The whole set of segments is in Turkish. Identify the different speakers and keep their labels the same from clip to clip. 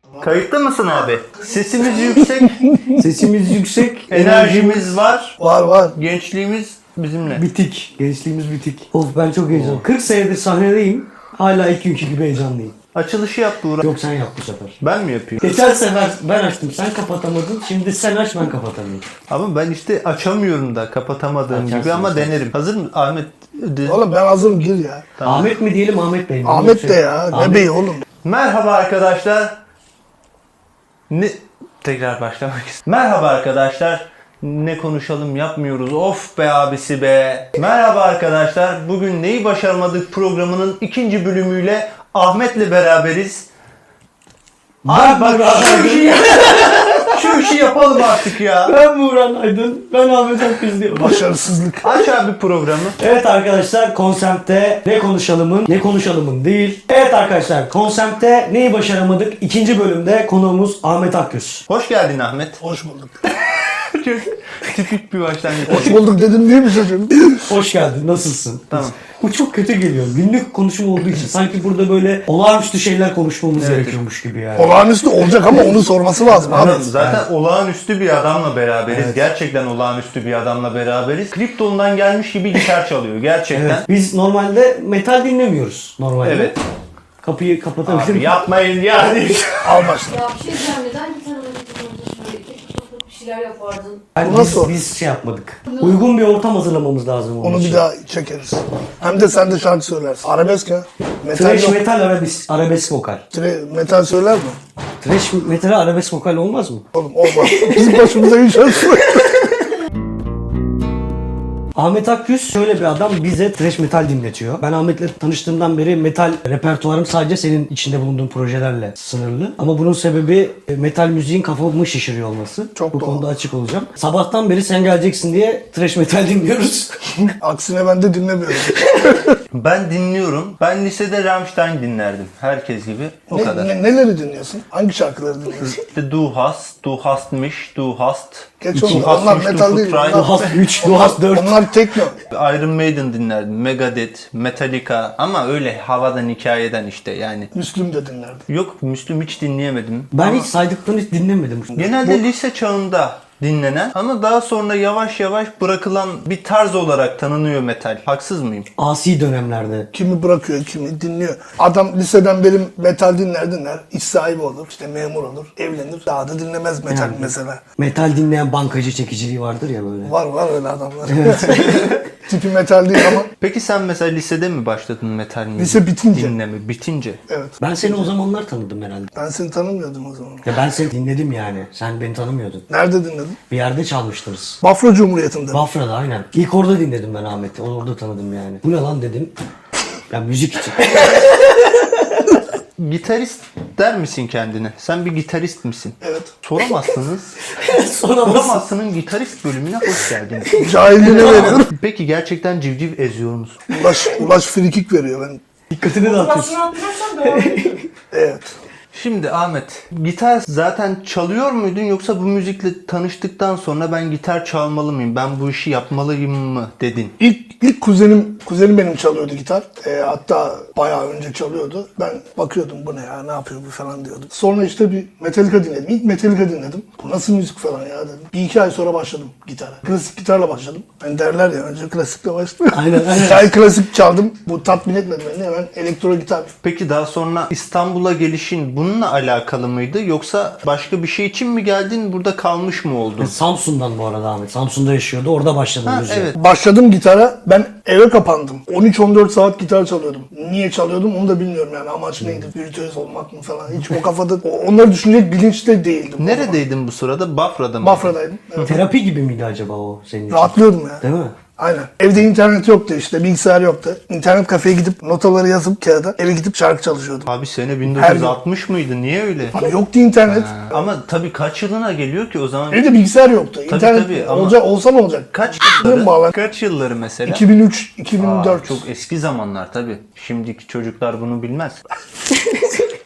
Speaker 1: Kayıtlı mısın abi? Sesimiz yüksek,
Speaker 2: Sesimiz yüksek,
Speaker 1: enerjimiz var,
Speaker 3: Var.
Speaker 1: gençliğimiz bizimle.
Speaker 2: bitik. Gençliğimiz bitik. Of ben çok heyecanlıyım. 40 senedir sahnedeyim. Hala ilk günkü gibi heyecanlıyım.
Speaker 1: Açılışı yaptı Uğur.
Speaker 2: Yok sen yap bu sefer.
Speaker 1: Ben mi yapıyorum?
Speaker 2: Geçen sefer ben açtım sen kapatamadın. Şimdi sen aç ben kapatamıyorum.
Speaker 1: Ama ben işte açamıyorum da kapatamadığım
Speaker 2: Açarsın,
Speaker 1: gibi ama
Speaker 2: açarsın.
Speaker 1: denerim. Hazır mı Ahmet?
Speaker 3: Oğlum ben hazırım, gir ya.
Speaker 1: Tamam.
Speaker 2: Ahmet mi diyelim Ahmet Bey mi?
Speaker 3: Ahmet de ya. Ne
Speaker 2: Ahmet-
Speaker 3: bey oğlum.
Speaker 1: Merhaba arkadaşlar. Tekrar başlamak istiyorum. Merhaba arkadaşlar. Ne konuşalım yapmıyoruz. Of be abisi be. Merhaba arkadaşlar. Bugün Neyi Başaramadık programının 2. bölümüyle Ahmet'le beraberiz. Abi bak şu işi yapalım artık ya.
Speaker 2: Ben Buğran Aydın. Ben Ahmet Akgüz diyorum.
Speaker 3: Başarısızlık.
Speaker 1: Aç abi programı.
Speaker 2: Evet arkadaşlar konsepte ne konuşalımın değil. Evet arkadaşlar konsepte neyi başaramadık? 2. bölümde konuğumuz Ahmet Akgüz.
Speaker 1: Hoş geldin Ahmet.
Speaker 3: Hoş bulduk.
Speaker 1: Çok tipik bir başlangıç.
Speaker 3: Hoş bulduk dedim değil mi çocuğum?
Speaker 2: Hoş geldin. Nasılsın?
Speaker 1: Tamam.
Speaker 2: Bu çok kötü geliyor. Günlük konuşma olduğu için sanki burada böyle olağanüstü şeyler konuşmamız
Speaker 1: Evet.
Speaker 2: gerekiyormuş gibi yani.
Speaker 3: Olağanüstü olacak ama onu sorması lazım abi.
Speaker 1: Anladım. Zaten olağanüstü bir adamla beraberiz. Gerçekten olağanüstü bir adamla beraberiz. Kripton'dan gelmiş gibi gitar çalıyor. Gerçekten.
Speaker 2: Evet. Biz normalde metal dinlemiyoruz normalde.
Speaker 1: Evet.
Speaker 2: Kapıyı kapatabilir
Speaker 1: Abi
Speaker 2: miyim?
Speaker 1: yapmayın yani.
Speaker 3: Al başla.
Speaker 4: Ya bir şey diyeceğim, neden gitar alabilirdin şöyle keşke toplayıp bir şeyler yapardın.
Speaker 2: Yani
Speaker 3: Bu nasıl?
Speaker 2: biz şey yapmadık. Uygun bir ortam hazırlamamız lazım onun
Speaker 3: Onu
Speaker 2: için.
Speaker 3: bir daha çekeriz. Hem de sen de şarkı söylersin. Arabesk ya. Metal
Speaker 2: Thrash
Speaker 3: yok.
Speaker 2: metal arabesk vokal.
Speaker 3: Metal söyler mi?
Speaker 2: Thrash metal arabesk vokal olmaz mı?
Speaker 3: Oğlum olmaz. Bizim başımıza iş açsın.
Speaker 2: Ahmet Akgüz şöyle bir adam, bize thrash metal dinletiyor. Ben Ahmet'le tanıştığımdan beri metal repertuarım sadece senin içinde bulunduğun projelerle sınırlı. Ama bunun sebebi metal müziğin kafamı şişiriyor olması.
Speaker 3: Çok
Speaker 2: Bu
Speaker 3: doğru.
Speaker 2: konuda açık olacağım. Sabahtan beri sen geleceksin diye thrash metal dinliyoruz.
Speaker 3: Aksine ben de dinlemiyorum.
Speaker 1: Ben dinliyorum. Ben lisede Rammstein dinlerdim. Herkes gibi. O kadar.
Speaker 3: Neleri dinliyorsun? Hangi şarkıları dinliyorsun?
Speaker 1: İşte Du hastmış, Du hast.
Speaker 3: Geç
Speaker 1: Du
Speaker 3: onu.
Speaker 1: hast
Speaker 3: Onlar
Speaker 1: mich,
Speaker 3: metal
Speaker 1: du
Speaker 3: değil.
Speaker 1: Frei.
Speaker 2: Duhast 3, Duhast 4.
Speaker 3: Onlar tekno.
Speaker 1: Iron Maiden dinlerdim. Megadeth, Metallica ama öyle havadan hikayeden işte yani.
Speaker 3: Müslüm de dinlerdim.
Speaker 1: Yok Müslüm hiç dinleyemedim.
Speaker 2: Ben hiç saydıklarını hiç dinlemedim.
Speaker 1: Genelde lise çağında dinlenen ama daha sonra yavaş yavaş bırakılan bir tarz olarak tanınıyor metal. Haksız mıyım?
Speaker 2: Asi dönemlerde.
Speaker 3: Kimi bırakıyor, kimi dinliyor. Adam liseden beri metal dinler. İş sahibi olur, işte memur olur, evlenir. Daha da dinlemez metal
Speaker 2: Yani.
Speaker 3: mesela.
Speaker 2: Metal dinleyen bankacı çekiciliği vardır ya böyle.
Speaker 3: Var öyle adamlar. Tipi metal değil ama
Speaker 1: Peki sen mesela lisede mi başladın metal müzik
Speaker 3: Lise bitince.
Speaker 1: dinleme? Bitince.
Speaker 3: evet.
Speaker 2: Ben seni o zamanlar tanıdım herhalde.
Speaker 3: Ben seni tanımıyordum o zaman.
Speaker 2: Ya ben seni dinledim yani. Sen beni tanımıyordun.
Speaker 3: Nerede dinledin?
Speaker 2: Bir yerde çalmıştınız.
Speaker 3: Bafra Cumhuriyeti'nde.
Speaker 2: Bafra'da aynen. İlk orada dinledim ben Ahmet'i. Orada tanıdım yani. Bu ne lan dedim. Ya müzik için.
Speaker 1: Gitarist der misin kendine? Sen bir gitarist misin?
Speaker 3: Evet.
Speaker 1: Soramazsınız.
Speaker 2: Soramazsın.
Speaker 1: Soramazsın'ın gitarist bölümüne hoş geldiniz.
Speaker 3: Cahilliğine veriyorum.
Speaker 1: Peki gerçekten civciv eziyor musun?
Speaker 3: Ulaş frikik veriyor ben.
Speaker 2: Dikkatini dağıtıyorsun.
Speaker 3: Evet.
Speaker 1: Şimdi Ahmet, gitar zaten çalıyor muydun yoksa bu müzikle tanıştıktan sonra ben gitar çalmalı mıyım, ben bu işi yapmalıyım mı dedin?
Speaker 3: İlk kuzenim benim çalıyordu gitar. Hatta bayağı önce çalıyordu. Ben bakıyordum bu ne ya, ne yapıyor bu falan diyordum. Sonra işte bir Metallica dinledim. İlk Metallica dinledim. Bu nasıl müzik falan ya dedim. 1-2 ay sonra başladım gitara. Klasik gitarla başladım. Ben derler ya, önce klasikle başladım.
Speaker 2: Aynen.
Speaker 3: 2 ay klasik çaldım. Bu tatmin etmedi beni. Hemen elektro gitar.
Speaker 1: Peki daha sonra İstanbul'a gelişin bununla alakalı mıydı yoksa başka bir şey için mi geldin, burada kalmış mı oldun?
Speaker 2: Samsun'dan bu arada Ahmet. Samsun'da yaşıyordu. Orada başladım
Speaker 1: Ha,
Speaker 2: müziğe.
Speaker 1: evet.
Speaker 3: Başladım gitara. Ben eve kapandım. 13-14 saat gitar çalıyordum. Niye çalıyordum onu da bilmiyorum yani. Amaç neydi? Virtüöz olmak mı falan. Hiç o kafada onları düşünecek bilinçte değildim.
Speaker 1: Neredeydin bu sırada? Bafra'da mı?
Speaker 3: Bafra'daydım. Evet.
Speaker 2: Terapi gibi miydi acaba o senin için?
Speaker 3: Rahatlıyordum ya.
Speaker 2: Değil mi?
Speaker 3: Aynen. Evde internet yoktu işte. Bilgisayar yoktu. İnternet kafeye gidip notaları yazıp kağıda eve gidip şarkı çalışıyordum.
Speaker 1: Abi sene 1960 mıydı? Niye öyle?
Speaker 3: Abi yoktu internet.
Speaker 1: Ama tabii kaç yılına geliyor ki o zaman?
Speaker 3: Evde bilgisayar yoktu. İnternet
Speaker 1: tabii ama-
Speaker 3: olsa ne olacak?
Speaker 1: Kaç
Speaker 3: Bağlan.
Speaker 1: yılları? Kaç yılları mesela?
Speaker 3: 2003, 2004.
Speaker 1: Çok eski zamanlar tabii. Şimdiki çocuklar bunu bilmez.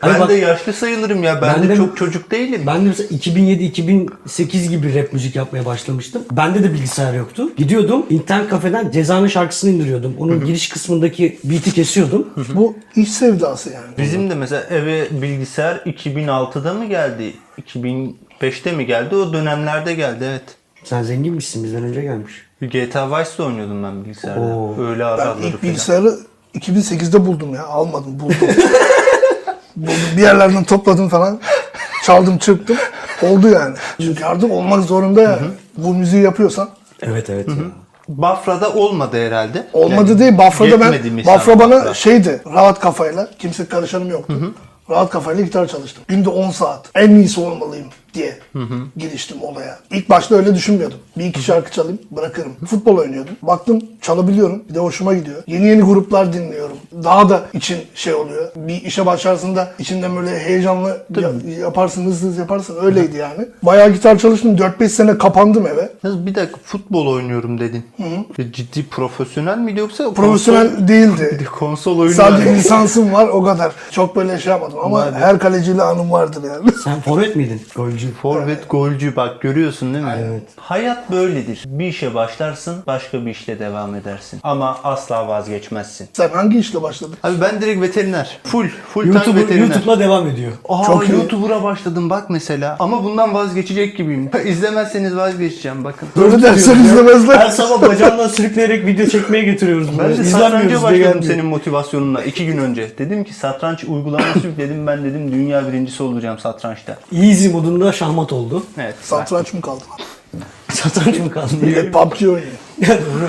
Speaker 2: Hani
Speaker 1: Ben
Speaker 2: bak,
Speaker 1: de yaşlı sayılırım ya. Ben de çok çocuk değilim.
Speaker 2: Ben de mesela 2007-2008 gibi rap müzik yapmaya başlamıştım. Bende de bilgisayar yoktu. Gidiyordum internet kafeden Ceza'nın şarkısını indiriyordum. Onun giriş kısmındaki beat'i kesiyordum.
Speaker 3: Bu iş sevdası yani.
Speaker 1: Bizim de mesela eve bilgisayar 2006'da mı geldi? 2005'te mi geldi? O dönemlerde geldi, evet.
Speaker 2: Sen zenginmişsin, bizden önce gelmiş.
Speaker 1: GTA Vice'da oynuyordum ben bilgisayarda.
Speaker 2: Oo.
Speaker 1: Öyle
Speaker 3: Ben
Speaker 1: araları
Speaker 3: ilk
Speaker 1: falan.
Speaker 3: bilgisayarı 2008'de buldum ya. Almadım, buldum. Buldum. Bir yerlerden topladım falan. Çaldım, çırptım. Oldu yani. Çünkü artık olmak zorunda ya. Bu müziği yapıyorsan.
Speaker 2: Evet ya.
Speaker 1: Bafra'da olmadı herhalde.
Speaker 3: Olmadı
Speaker 1: Yani
Speaker 3: değil. Bafra'da
Speaker 1: yetmedi mi
Speaker 3: Bafra
Speaker 1: sana
Speaker 3: bana
Speaker 1: Bafra?
Speaker 3: şeydi. Rahat kafayla. Kimse karışanım yoktu. Rahat kafayla gitar çalıştım. Günde 10 saat. En iyisi olmalıyım diye giriştim olaya. İlk başta öyle düşünmüyordum. Bir iki şarkı çalayım, bırakırım. Futbol oynuyordum. Baktım çalabiliyorum. Bir de hoşuma gidiyor. Yeni yeni gruplar dinliyorum. Daha da için şey oluyor. Bir işe başlarsın da içinden böyle heyecanlı yaparsın, hızlı yaparsın. Öyleydi yani. Bayağı gitar çalıştım. 4-5 sene kapandım eve.
Speaker 1: Yalnız bir dakika, futbol oynuyorum dedin. Ciddi profesyonel miydi yoksa
Speaker 3: Profesyonel değildi.
Speaker 1: konsol oyunu
Speaker 3: Sadece
Speaker 1: yani?
Speaker 3: lisansım var, o kadar. Çok böyle şey yapmadım ama
Speaker 1: Vay be.
Speaker 3: her kaleciyle anım vardır yani.
Speaker 2: Sen forvet miydin? Golcü.
Speaker 1: Forvet, golcü, bak görüyorsun değil mi?
Speaker 2: Evet.
Speaker 1: Hayat böyledir. Bir işe başlarsın, başka bir işle devam edersin. Ama asla vazgeçmezsin.
Speaker 3: Sen hangi işle başladın?
Speaker 1: Abi ben direkt veteriner. Full time veteriner.
Speaker 2: YouTube'la devam ediyor.
Speaker 1: Aa,
Speaker 3: Çok iyi.
Speaker 1: YouTuber'a başladım bak mesela. Ama bundan vazgeçecek gibiyim. İzlemezseniz vazgeçeceğim bakın.
Speaker 3: Böyle dersen
Speaker 2: Her
Speaker 3: izlemezler.
Speaker 2: sabah bacağından sürükleyerek video çekmeye getiriyoruz.
Speaker 1: Ben
Speaker 2: böyle.
Speaker 1: de
Speaker 2: İzlenmiyoruz
Speaker 1: satranca
Speaker 2: diye
Speaker 1: başladım
Speaker 2: gelmiyor.
Speaker 1: senin motivasyonunla 2 gün önce. Dedim ki satranç uygulaması yükledim, ben dedim dünya birincisi olacağım satrançta.
Speaker 2: Easy modunda şahmat oldu.
Speaker 1: Evet.
Speaker 3: Satranç mı kaldı?
Speaker 2: Satranç mı kaldı?
Speaker 3: Bir PUBG oynuyor.
Speaker 2: Doğru.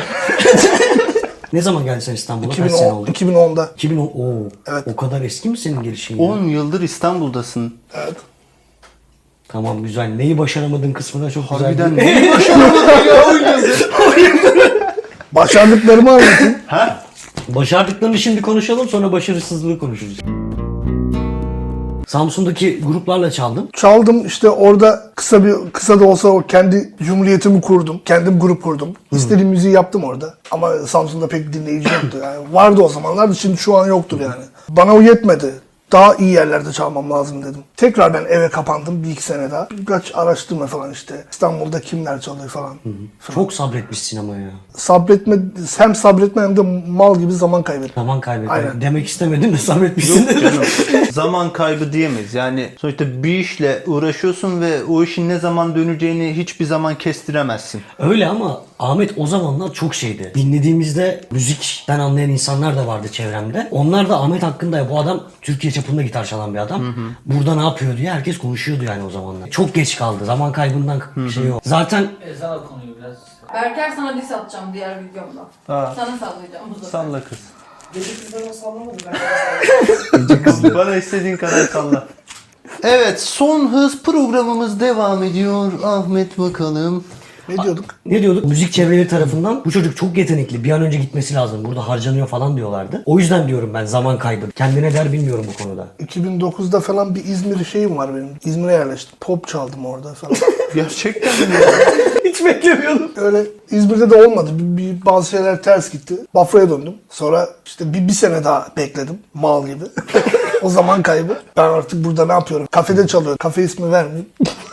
Speaker 2: Ne zaman geldin sen İstanbul'a? Kaç sene
Speaker 3: 2010,
Speaker 2: oldu?
Speaker 3: 2010'da.
Speaker 2: 2010. Oo.
Speaker 3: Evet.
Speaker 2: O kadar eski mi senin gelişin? ya?
Speaker 1: 10 yıldır İstanbul'dasın.
Speaker 3: Evet.
Speaker 2: Tamam güzel. Neyi başaramadığın kısmı da çok güzel.
Speaker 1: Harbiden neyi başaramadın ya 10 yıldır?
Speaker 3: Başardıklarımı anlatayım.
Speaker 1: Ha?
Speaker 2: Başardıklarını şimdi konuşalım, sonra başarısızlığı konuşuruz. Samsun'daki gruplarla çaldın.
Speaker 3: Çaldım işte orada kısa da olsa o kendi cumhuriyetimi kurdum. Kendim grup kurdum. İstediğim müziği yaptım orada. Ama Samsun'da pek dinleyici yoktu. Yani vardı o zamanlar da şimdi şu an yoktur yani. Bana o yetmedi. Daha iyi yerlerde çalmam lazım dedim. Tekrar ben eve kapandım bir iki sene daha. Birkaç araştırma falan işte. İstanbul'da kimler çalıyor falan.
Speaker 2: Çok sabretmişsin ama ya.
Speaker 3: Hem sabretme hem de mal gibi zaman kaybettim.
Speaker 2: Zaman kaybettim.
Speaker 3: Aynen.
Speaker 2: Demek istemedim de sabretmişsin.
Speaker 1: Yok canım. Zaman kaybı diyemeyiz. Yani sonuçta bir işle uğraşıyorsun ve o işin ne zaman döneceğini hiçbir zaman kestiremezsin.
Speaker 2: Öyle ama Ahmet o zamanlar çok şeydi. Dinlediğimizde müzikten anlayan insanlar da vardı çevremde. Onlar da Ahmet hakkında ya bu adam Türkiye çapında gitar çalan bir adam. Burada ne yapıyor diye herkes konuşuyordu yani o zamanlar. Çok geç kaldı. Zaman kaybından şey yok. Zaten
Speaker 5: Ezan okunuyor biraz.
Speaker 4: Berker sana diss atacağım diğer videomda.
Speaker 1: Aa.
Speaker 4: Sana sallayacağım bu sefer.
Speaker 1: Salla kız.
Speaker 5: Gece kızlarına sallamadı ben.
Speaker 1: Bana istediğin kadar salla. Evet, son hız programımız devam ediyor. Ahmet bakalım.
Speaker 3: Ne diyorduk?
Speaker 2: ne diyorduk? Müzik çevreleri tarafından bu çocuk çok yetenekli. Bir an önce gitmesi lazım. Burada harcanıyor falan diyorlardı. O yüzden diyorum ben zaman kaybı. Kendine der bilmiyorum bu konuda.
Speaker 3: 2009'da falan bir İzmir şeyim var benim. İzmir'e yerleştim. Pop çaldım orada falan.
Speaker 1: Gerçekten mi?
Speaker 2: Hiç beklemiyordum.
Speaker 3: Öyle İzmir'de de olmadı. Bazı şeyler ters gitti. Bafra'ya döndüm. Sonra işte bir sene daha bekledim. Mal gibi. O zaman kaybı. Ben artık burada ne yapıyorum? Kafede çalıyorum. Kafe ismi vermeyeyim.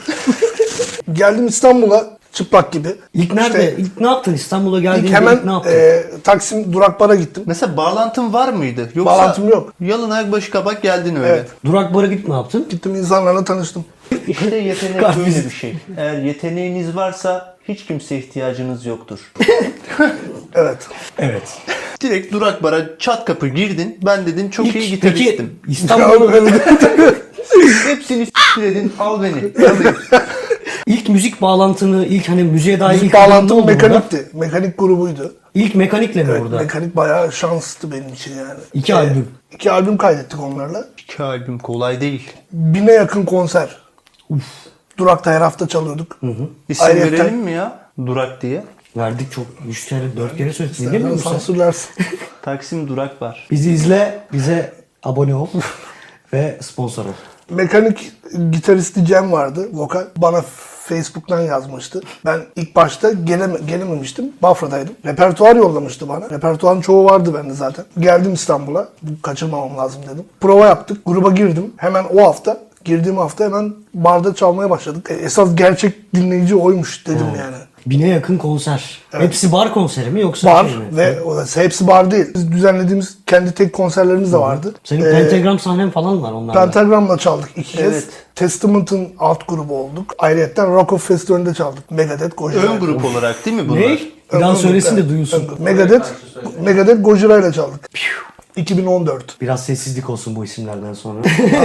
Speaker 3: Geldim İstanbul'a çıplak gibi.
Speaker 2: İlk nerede?
Speaker 3: İşte
Speaker 2: İlk ne yaptın? İstanbul'a geldiğinde
Speaker 3: ilk hemen
Speaker 2: ilk ne yaptın?
Speaker 3: Taksim Durak Bar'a gittim.
Speaker 1: Mesela bağlantın var mıydı? Yoksa
Speaker 3: Bağlantım yok.
Speaker 1: yalın ayak başı kabak geldin öyle.
Speaker 3: Evet.
Speaker 2: Durak bara gidip ne yaptın?
Speaker 3: Gittim insanlarla tanıştım.
Speaker 1: İşte yetenek
Speaker 2: Kahvesi.
Speaker 1: böyle bir şey. Eğer yeteneğiniz varsa hiç kimseye ihtiyacınız yoktur.
Speaker 3: Evet.
Speaker 2: Evet.
Speaker 1: Direkt durak bara çat kapı girdin. Ben dedin çok iyi
Speaker 2: Peki
Speaker 1: gitaristim.
Speaker 2: İstanbul
Speaker 1: Hepsini s**t dedin. Al beni. Alayım.
Speaker 2: ilk müzik bağlantını, ilk hani müziğe dair
Speaker 3: Müzik
Speaker 2: ilk adımın ne
Speaker 3: bağlantım
Speaker 2: oldu burada?
Speaker 3: mekanikti. Mekanik grubuydu.
Speaker 2: İlk mekanikle mi
Speaker 3: Evet,
Speaker 2: orada?
Speaker 3: mekanik bayağı şanstı benim için yani.
Speaker 2: 2 albüm.
Speaker 3: 2 albüm kaydettik onlarla.
Speaker 1: 2 albüm kolay değil.
Speaker 3: 1000'e yakın konser. Durak'ta her hafta çalıyorduk.
Speaker 1: İsim
Speaker 3: Ayrıyeten-
Speaker 1: verelim mi ya? Durak diye.
Speaker 2: Verdik çok 3 kere 4 kere söyledik. Dinlemiyor
Speaker 3: İstersen
Speaker 2: musun?
Speaker 3: sansürlersin.
Speaker 1: Taksim Durak var.
Speaker 2: Bizi izle, bize abone ol ve sponsor ol.
Speaker 3: Mekanik gitaristi Cem vardı. Vokal. Bana Facebook'tan yazmıştı. Ben ilk başta gelememiştim. Bafra'daydım. Repertuar yollamıştı bana. Repertuarın çoğu vardı bende zaten. Geldim İstanbul'a. Kaçırmamam lazım dedim. Prova yaptık. Gruba girdim. Hemen o hafta, girdiğim hafta hemen barda çalmaya başladık. Esas gerçek dinleyici oymuş dedim yani.
Speaker 2: 1000'e yakın konser.
Speaker 3: Evet.
Speaker 2: Hepsi bar konseri mi yoksa
Speaker 3: Bar
Speaker 2: şey mi?
Speaker 3: ve o da hepsi bar değil. Biz düzenlediğimiz kendi tek konserlerimiz de vardı.
Speaker 2: Senin pentagram sahnen falan var onlarla.
Speaker 3: Pentagram'la çaldık 2 kez.
Speaker 1: Evet.
Speaker 3: Testament'ın alt grubu olduk. Ayrıca Rock of Festival'inde çaldık. Megadeth, Gojira.
Speaker 1: Ön grup olarak değil mi bunlar?
Speaker 2: Ne? Bir daha söylesin de duyulsun.
Speaker 3: Megadeth, Gojira ile çaldık. 2014.
Speaker 2: Biraz sessizlik olsun bu isimlerden sonra.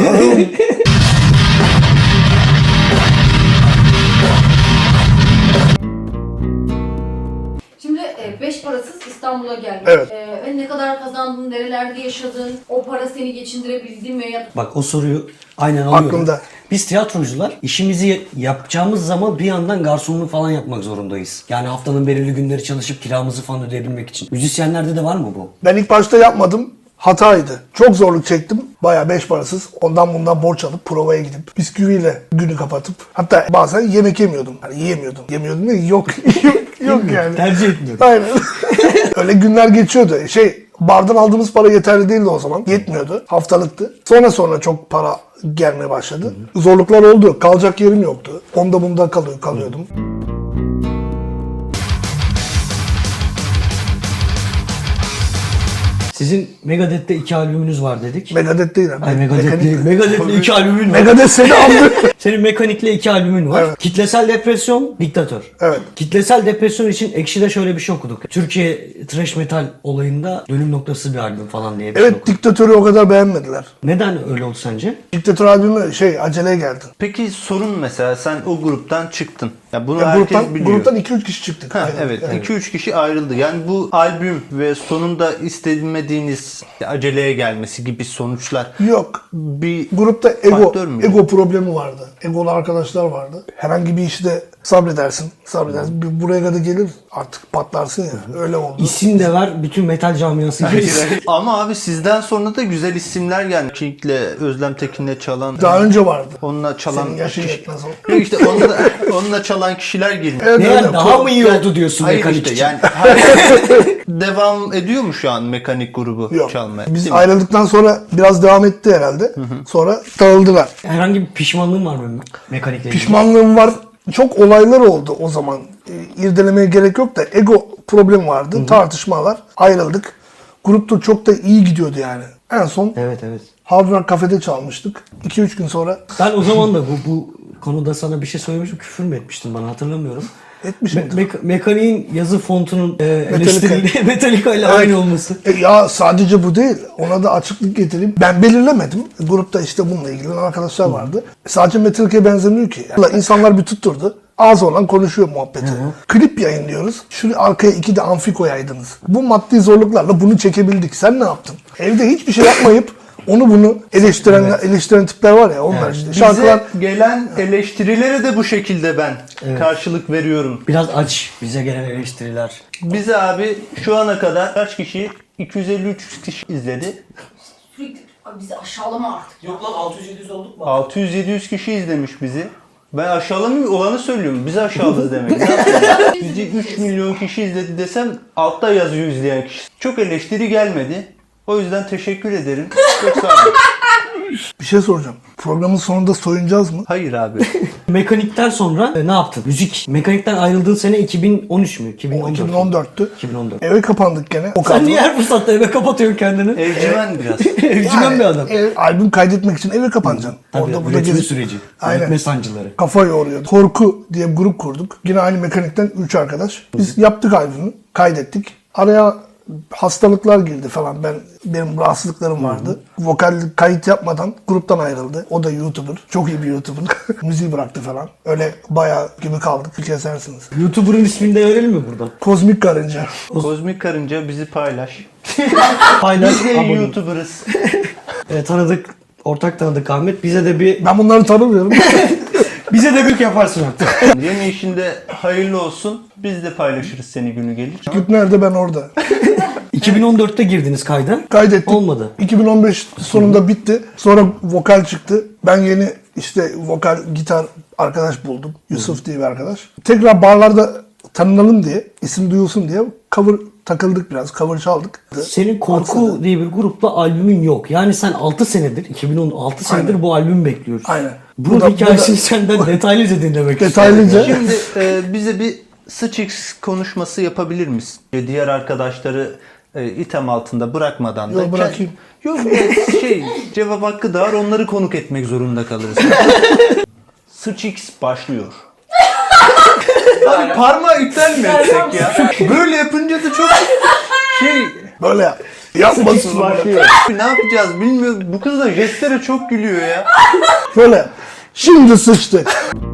Speaker 4: Şimdi beş parasız İstanbul'a geldin.
Speaker 3: Evet.
Speaker 4: Ve ne kadar kazandın, nerelerde yaşadın, o para seni geçindirebildi mi?
Speaker 2: Bak o soruyu aynen alıyorum.
Speaker 3: Aklımda.
Speaker 2: Biz tiyatrocular işimizi yapacağımız zaman bir yandan garsonluk falan yapmak zorundayız. Yani haftanın belirli günleri çalışıp kiramızı falan ödeyebilmek için. Müzisyenlerde de var mı bu?
Speaker 3: Ben ilk başta yapmadım. Hataydı. Çok zorluk çektim. Bayağı 5 parasız. Ondan bundan borç alıp provaya gidip bisküviyle günü kapatıp hatta bazen yemek yemiyordum. Hani yiyemiyordum. Yemiyordum değil, yok yok yani.
Speaker 2: Tercih etmiyorum.
Speaker 3: Aynen. Öyle günler geçiyordu. Bardan aldığımız para yeterli değildi o zaman. Yetmiyordu. Haftalıktı. Sonra çok para gelmeye başladı. Zorluklar oldu. Kalacak yerim yoktu. Onda bunda kalıyordum.
Speaker 2: Sizin Megadeth'te 2 albümünüz var dedik.
Speaker 3: Megadeth değil. abi.
Speaker 2: Ay Megadeth
Speaker 3: Mekanik-
Speaker 2: değil. Megadeth'le 2 albümün var.
Speaker 3: Megadeth seni aldı.
Speaker 2: Senin Mekanik'le 2 albümün var.
Speaker 3: Evet.
Speaker 2: Kitlesel Depresyon, Diktatör.
Speaker 3: Evet.
Speaker 2: Kitlesel Depresyon için Ekşi'de şöyle bir şey okuduk. Türkiye thrash metal olayında dönüm noktası bir albüm falan diye bir şey
Speaker 3: Evet,
Speaker 2: okuduk.
Speaker 3: Diktatör'ü o kadar beğenmediler.
Speaker 2: Neden öyle oldu sence?
Speaker 3: Diktatör albümü aceleye geldi.
Speaker 1: Peki sorun mesela sen o gruptan çıktın. Ya bunu
Speaker 3: Ya
Speaker 1: herkes biliyor.
Speaker 3: gruptan 2-3 kişi çıktık.
Speaker 1: Ha,
Speaker 3: Aynen.
Speaker 1: evet.
Speaker 3: Yani
Speaker 1: 2-3 kişi ayrıldı. Yani bu albüm ve sonunda istemediğiniz aceleye gelmesi gibi sonuçlar
Speaker 3: Yok.
Speaker 1: bir
Speaker 3: Grupta
Speaker 1: faktör mü?
Speaker 3: ego problemi vardı. Egolu arkadaşlar vardı. Herhangi bir işte sabredersin. Buraya kadar gelir artık patlarsın ya. Öyle oldu.
Speaker 2: İsim de ver, bütün metal camiası gibi.
Speaker 1: Ama abi sizden sonra da güzel isimler geldi. Kink'le, Özlem Tekin'le çalan,
Speaker 3: Daha önce vardı.
Speaker 1: onunla çalan
Speaker 3: Senin yaşın
Speaker 1: kişi-
Speaker 3: yetmez o.
Speaker 1: Yok işte onunla çalan kişiler geliyor.
Speaker 3: Evet,
Speaker 2: Ne
Speaker 3: öyle.
Speaker 2: yani daha mı iyi oldu diyorsun
Speaker 1: Hayır
Speaker 2: Mekanik
Speaker 1: işte
Speaker 2: için?
Speaker 1: yani devam ediyor mu şu an Mekanik grubu
Speaker 3: Yok.
Speaker 1: çalmaya?
Speaker 3: Biz
Speaker 1: Değil mi?
Speaker 3: ayrıldıktan sonra biraz devam etti herhalde. Sonra dağıldılar.
Speaker 2: Herhangi bir pişmanlığın var mı Mekanik'le ilgili?
Speaker 3: Pişmanlığım var. Çok olaylar oldu o zaman. İrdelemeye gerek yok da ego problemi vardı. Tartışmalar. Ayrıldık. Grupta çok da iyi gidiyordu yani. En son
Speaker 2: Evet.
Speaker 3: Hard Rock kafede çalmıştık. 2-3 gün sonra
Speaker 2: Ben o zaman da bu konuda sana bir şey söylemiştim. Küfür mü etmiştin bana hatırlamıyorum.
Speaker 3: etmişim.
Speaker 2: Mekanik'in yazı fontunun eleştirili Metallica ile aynı olması.
Speaker 3: Ya sadece bu değil. Ona da açıklık getireyim. Ben belirlemedim. Grupta işte bununla ilgilenen arkadaşlar vardı. Sadece Metallica'ya benzemiyor ki. İnsanlar bir tutturdu. Ağız olan konuşuyor muhabbeti. Klip yayınlıyoruz. Şu arkaya 2 de amfi koyaydınız. Bu maddi zorluklarla bunu çekebildik. Sen ne yaptın? Evde hiçbir şey yapmayıp onu bunu eleştiren tipler var ya onlar işte.
Speaker 1: Bize
Speaker 3: Şarkılar
Speaker 1: gelen eleştirilere de bu şekilde ben karşılık veriyorum.
Speaker 2: Biraz aç bize gelen eleştiriler.
Speaker 1: Bize abi şu ana kadar kaç kişi? 253 kişi izledi.
Speaker 4: Sürekli abi bizi aşağılama artık.
Speaker 5: Yok lan 600-700 olduk mu?
Speaker 1: 600-700 kişi izlemiş bizi. Ben aşağılamıyorum, olanı söylüyorum. Bizi aşağıladı demek. Ne yapayım? Bizi 3 milyon kişi izledi desem altta yazıyor izleyen kişi. Çok eleştiri gelmedi. O yüzden teşekkür ederim. Çok sağ olun.
Speaker 3: bir şey soracağım. Programın sonunda soyunacağız mı?
Speaker 1: Hayır abi.
Speaker 2: Mekanik'ten sonra ne yaptın? Müzik. Mekanik'ten ayrıldığın sene 2013 mü? 2014.
Speaker 3: 2014'tü.
Speaker 2: 2014.
Speaker 3: Eve kapandık gene. O
Speaker 2: Sen
Speaker 3: kadro.
Speaker 2: niye her fırsatta eve kapatıyorsun kendini?
Speaker 1: Evcimen biraz.
Speaker 2: Evcimen bir adam.
Speaker 3: Albüm kaydetmek için eve kapanacaksın.
Speaker 2: Tabii,
Speaker 3: burada
Speaker 2: üretim
Speaker 3: gezip-
Speaker 2: süreci.
Speaker 3: Aynen.
Speaker 2: Üretme sancıları.
Speaker 3: Kafa yoruyordu. Korku diye bir grup kurduk. Yine aynı Mekanik'ten 3 arkadaş. Biz yaptık albümü, kaydettik. Araya hastalıklar girdi falan. Benim rahatsızlıklarım vardı. Vokal kayıt yapmadan gruptan ayrıldı. O da YouTuber. Çok iyi bir YouTuber. Müziği bıraktı falan. Öyle bayağı gibi kaldık. Kesersiniz.
Speaker 2: YouTuber'ın ismini de verelim mi buradan?
Speaker 3: Kozmik Karınca.
Speaker 1: Kozmik Karınca bizi paylaş.
Speaker 2: Paylaş.
Speaker 1: Biz de
Speaker 2: abone ol.
Speaker 1: YouTuber'ız.
Speaker 2: Tanıdık, ortak tanıdık Ahmet. Bize de bir
Speaker 3: Ben bunları tanımıyorum.
Speaker 2: büyük yaparsın artık.
Speaker 1: Yeni işinde hayırlı olsun. Biz de paylaşırız seni günü gelir.
Speaker 3: Küt nerede, ben orada.
Speaker 2: 2014'te girdiniz kayda.
Speaker 3: Kaydettik.
Speaker 2: Olmadı.
Speaker 3: 2015 sonunda bitti. Sonra vokal çıktı. Ben yeni İşte vokal, gitar arkadaş buldum. Yusuf diye bir arkadaş. Tekrar barlarda tanınalım diye, isim duyulsun diye cover takıldık biraz. Cover çaldık.
Speaker 2: Senin Korku diye bir grupla albümün yok. Yani sen 6 senedir, 2016 senedir
Speaker 3: Aynen.
Speaker 2: bu albümü bekliyoruz.
Speaker 3: Aynen.
Speaker 2: Bunun hikayesini senden detaylıca dinlemek
Speaker 3: Detaylıca.
Speaker 1: Şimdi bize bir Sıçix konuşması yapabilir misin? Diğer arkadaşları item altında bırakmadan da.
Speaker 3: Yok, bırakayım.
Speaker 1: Yok cevap hakkı da var, onları konuk etmek zorunda kalırız. Sıçix başlıyor. Abi parmağı iptal mi etsek ya? Böyle yapınca da çok
Speaker 3: Böyle yap. Yapmasın bunu.
Speaker 1: ne yapacağız bilmiyorum. Bu kız da jestlere çok gülüyor ya.
Speaker 3: Böyle yap. Şimdi sıçtık.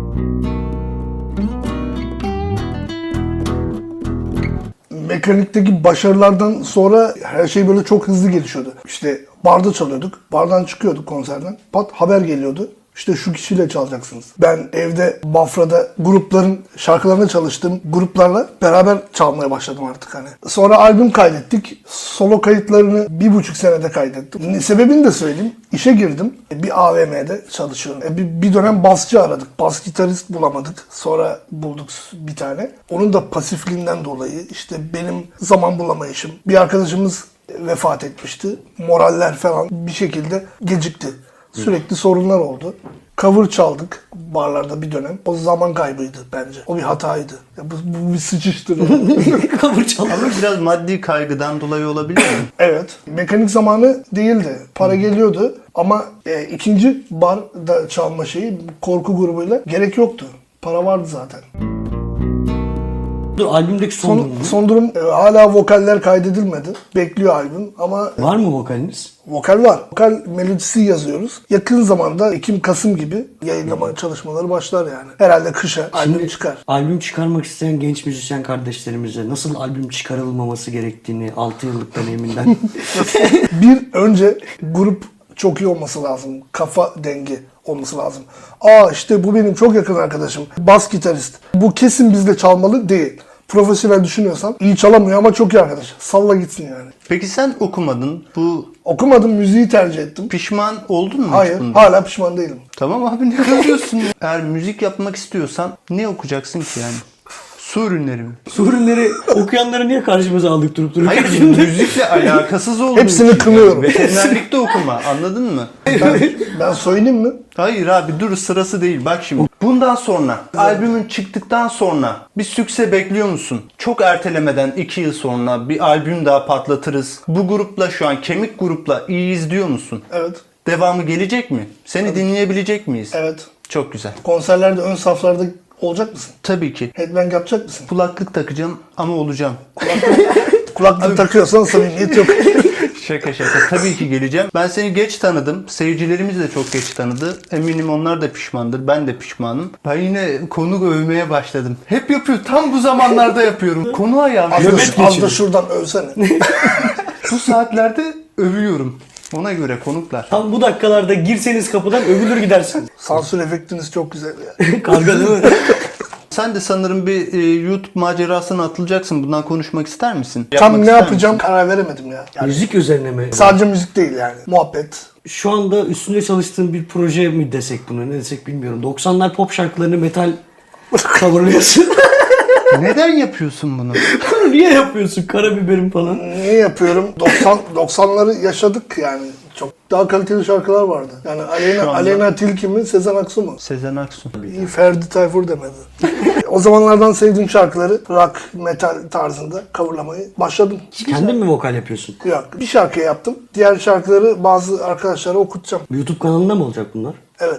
Speaker 3: Mekanikteki başarılardan sonra her şey böyle çok hızlı gelişiyordu. İşte barda çalıyorduk. Bardan çıkıyorduk konserden. Pat haber geliyordu. İşte şu kişiyle çalacaksınız. Ben evde Bafra'da grupların şarkılarına çalıştığım gruplarla beraber çalmaya başladım artık hani. Sonra albüm kaydettik. Solo kayıtlarını 1,5 senede kaydettim. Sebebini de söyleyeyim. İşe girdim. Bir AVM'de çalışıyorum. Bir dönem basçı aradık. Bas gitarist bulamadık. Sonra bulduk bir tane. Onun da pasifliğinden dolayı işte benim zaman bulamayışım. Bir arkadaşımız vefat etmişti. Moraller falan bir şekilde gecikti. Sürekli sorunlar oldu. Cover çaldık barlarda bir dönem. O zaman kaybıydı bence. O bir hataydı. Ya bu bir sıçıştır.
Speaker 2: Cover çal.
Speaker 1: Ama biraz maddi kaygıdan dolayı olabilir mi?
Speaker 3: Evet. Mekanik zamanı değildi. Para geliyordu. Ama ikinci barda çalma şeyi Korku grubuyla gerek yoktu. Para vardı zaten.
Speaker 2: Dur, albümdeki son durum ne?
Speaker 3: Son durum hala vokaller kaydedilmedi. Bekliyor albüm ama
Speaker 2: Var mı vokaliniz?
Speaker 3: vokal var. Vokal melodisi yazıyoruz. Yakın zamanda Ekim-Kasım gibi yayınlama çalışmaları başlar yani. Herhalde kışa albüm çıkar.
Speaker 2: Albüm çıkarmak isteyen genç müzisyen kardeşlerimize nasıl albüm çıkarılmaması gerektiğini 6 yıllık deneyiminden
Speaker 3: Bir önce grup çok iyi olması lazım. Kafa dengi olması lazım. İşte bu benim çok yakın arkadaşım. Bas gitarist. Bu kesin bizde çalmalı değil. Profesyonel düşünüyorsan iyi çalamıyor ama çok iyi arkadaş. Salla gitsin yani.
Speaker 1: Peki sen okumadın. Bu
Speaker 3: Okumadım, müziği tercih ettim.
Speaker 1: pişman oldun mu hiç
Speaker 3: Hayır,
Speaker 1: bunda?
Speaker 3: hala pişman değilim.
Speaker 1: Tamam abi ne kızıyorsun ya? Eğer müzik yapmak istiyorsan ne okuyacaksın ki yani? Su ürünleri mi?
Speaker 2: su ürünleri okuyanları niye karşımıza aldık durup dururken?
Speaker 1: Hayır müzikle alakasız olduğu
Speaker 3: Hepsini
Speaker 1: için.
Speaker 3: kınıyorum.
Speaker 1: Veterinerlikte okuma, anladın mı?
Speaker 3: Ben söyleyeyim mi?
Speaker 1: Hayır abi dur, sırası değil. Bak şimdi. Bundan sonra, albümün çıktıktan sonra bir sükse bekliyor musun? Çok ertelemeden 2 yıl sonra bir albüm daha patlatırız. Bu grupla, şu an kemik grupla iyi izliyor musun?
Speaker 3: Evet.
Speaker 1: Devamı gelecek mi? Seni dinleyebilecek miyiz?
Speaker 3: Evet.
Speaker 1: Çok güzel.
Speaker 3: Konserlerde ön saflarda olacak mısın?
Speaker 1: Tabii ki.
Speaker 3: Headbang yapacak mısın?
Speaker 1: Kulaklık takacağım ama olacağım.
Speaker 3: Kulaklık takıyorsan samimiyet yok.
Speaker 1: Şaka şaka. Tabii ki geleceğim. Ben seni geç tanıdım. Seyircilerimiz de çok geç tanıdı. Eminim onlar da pişmandır. Ben de pişmanım. Ben yine konu övmeye başladım. Hep yapıyor. Tam bu zamanlarda yapıyorum. Konu ayağım.
Speaker 3: Az da şuradan övsene.
Speaker 1: Bu saatlerde övüyorum. Ona göre konuklar.
Speaker 2: Tam bu dakikalarda girseniz kapıdan övülür gidersiniz.
Speaker 3: Sansür efektiniz çok güzel ya.
Speaker 2: Karga değil mi?
Speaker 1: Sen de sanırım bir YouTube macerasına atılacaksın. Bundan konuşmak ister misin?
Speaker 3: Tam
Speaker 1: Yapmak
Speaker 3: ne
Speaker 1: ister
Speaker 3: yapacağım
Speaker 1: misin?
Speaker 3: karar veremedim ya. Yani
Speaker 2: Müzik üzerine mi?
Speaker 3: sadece müzik değil yani. Muhabbet.
Speaker 2: Şu anda üstünde çalıştığın bir proje mi desek buna, ne desek bilmiyorum. 90'lar pop şarkılarını metal coverlıyorsun.
Speaker 1: Neden yapıyorsun bunu?
Speaker 2: Bunu niye yapıyorsun? Karabiberim falan.
Speaker 3: Niye yapıyorum? 90'ları yaşadık yani. Çok daha kaliteli şarkılar vardı. Yani Aleyna Tilki mi, Sezen Aksu mu?
Speaker 1: Sezen Aksu.
Speaker 3: İyi Ferdi Tayfur demedi. O zamanlardan sevdiğim şarkıları rock, metal tarzında coverlamayı başladım.
Speaker 2: Kendin mi vokal yapıyorsun?
Speaker 3: Yok. Bir şarkı yaptım. Diğer şarkıları bazı arkadaşlara okutacağım.
Speaker 2: YouTube kanalında mı olacak bunlar?
Speaker 3: Evet.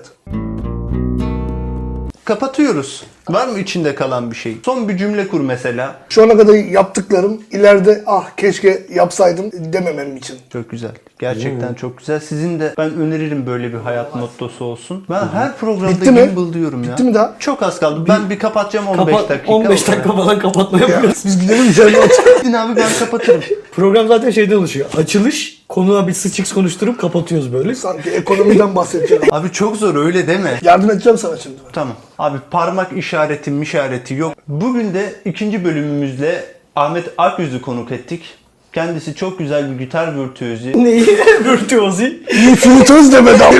Speaker 1: Kapatıyoruz. Var mı içinde kalan bir şey? Son bir cümle kur mesela.
Speaker 3: Şu ana kadar yaptıklarım ileride keşke yapsaydım dememem için.
Speaker 1: Çok güzel. Gerçekten çok güzel. Sizin de ben öneririm böyle bir hayat mottosu olsun. Ben her programda
Speaker 3: Bitti mi?
Speaker 1: gimbal diyorum ya.
Speaker 3: Bitti mi daha?
Speaker 1: Çok az kaldı. Ben bir kapatacağım 15 dakika.
Speaker 2: 15 dakika falan kapatma yapıyoruz.
Speaker 3: Biz gidelim içeride oturalım.
Speaker 1: Gidin abi ben kapatırım.
Speaker 2: Program zaten şeyden oluşuyor. Açılış, konuğa bir sıçıks konuşturup kapatıyoruz böyle.
Speaker 3: Sanki ekonomiden bahsedeceğim.
Speaker 1: Abi çok zor öyle deme.
Speaker 3: Yardım edeceğim sana şimdi.
Speaker 1: Tamam. Abi parmak işareti yok. Bugün de ikinci bölümümüzle Ahmet Akyüz'ü konuk ettik. Kendisi çok güzel bir gitar virtüözü.
Speaker 2: Neyi? Virtüozi.
Speaker 3: İyi flütöz demedi abi.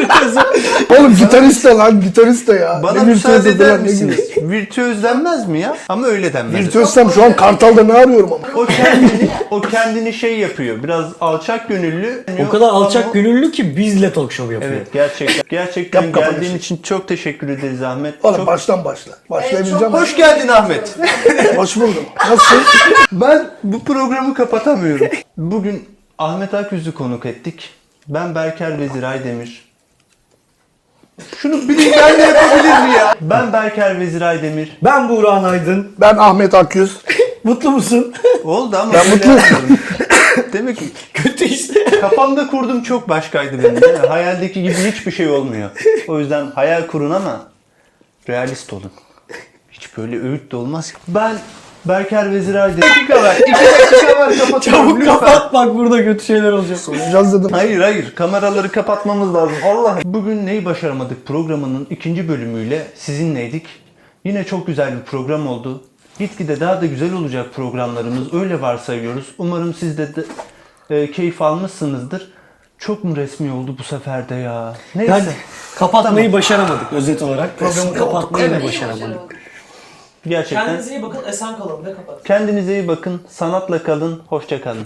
Speaker 3: Oğlum gitarist de lan gitarist de ya.
Speaker 1: Bana
Speaker 3: Ne
Speaker 1: müsaade
Speaker 3: virtüözü
Speaker 1: eder
Speaker 3: lan, ne
Speaker 1: misiniz?
Speaker 3: gibi.
Speaker 1: Virtüöz denmez mi ya? Ama öyle denmez.
Speaker 3: Virtüözsem şu an Kartal'da ne arıyorum ama.
Speaker 1: O kendini şey yapıyor. Biraz alçak gönüllü.
Speaker 2: O kadar alçak
Speaker 1: Ama-
Speaker 2: gönüllü ki bizle talk show yapıyor.
Speaker 1: Evet gerçekten
Speaker 3: Yap kapanışı.
Speaker 1: geldiğin için çok teşekkür ederiz Ahmet.
Speaker 3: Oğlum
Speaker 1: Çok...
Speaker 3: baştan başla. Başlayabileceğim.
Speaker 4: çok
Speaker 1: Hoş geldin Ahmet.
Speaker 3: Hoş buldum. Nasılsın?
Speaker 1: Ben bu programı kapatamıyorum. Bugün Ahmet Akyüz'ü konuk ettik. Ben Berker Vezir Aydemir. Şunu bilinmeyen de yapabilir mi ya? Ben Berker Vezir Aydemir.
Speaker 2: Ben Buğra Aydın.
Speaker 3: Ben Ahmet Akyüz.
Speaker 2: Mutlu musun?
Speaker 1: Oldu ama
Speaker 3: Ben
Speaker 1: böyle
Speaker 3: mutluyum.
Speaker 1: yapmıyorum. Demek ki
Speaker 2: Kötü işte.
Speaker 1: kafamda kurdum çok başkaydı benim. Değil mi? Hayaldeki gibi hiçbir şey olmuyor. O yüzden hayal kurun ama realist olun. Hiç böyle öğüt de olmaz. Ben Berker Vezir Aydemir. 2 dakika var. 2 dakika var kapatıyorum.
Speaker 2: Çabuk
Speaker 1: lütfen.
Speaker 2: kapat bak burada kötü şeyler olacak.
Speaker 3: Konuşacağız dedim.
Speaker 1: Hayır kameraları kapatmamız lazım. Allah. Bugün neyi başaramadık programının 2. bölümüyle sizinleydik. Yine çok güzel bir program oldu. Gitgide daha da güzel olacak programlarımız. Öyle varsayıyoruz. Umarım siz de keyif almışsınızdır. Çok mu resmi oldu bu sefer de ya? Neyse.
Speaker 2: Yani kapatmayı başaramadık özet olarak. Programı
Speaker 3: Resmi
Speaker 2: kapatmayı da
Speaker 4: Evet,
Speaker 2: başaramadık.
Speaker 1: Gerçekten.
Speaker 5: Kendinize iyi bakın, esen kalın ve kapatın.
Speaker 1: Kendinize iyi bakın. Sanatla kalın. Hoşça kalın.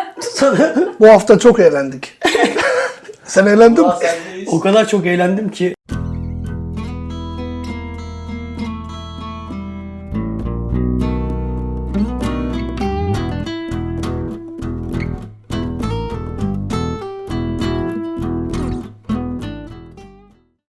Speaker 3: Bu hafta çok eğlendik. Sen eğlendin mi?
Speaker 5: Allah sendeyiz.
Speaker 2: O kadar çok eğlendim ki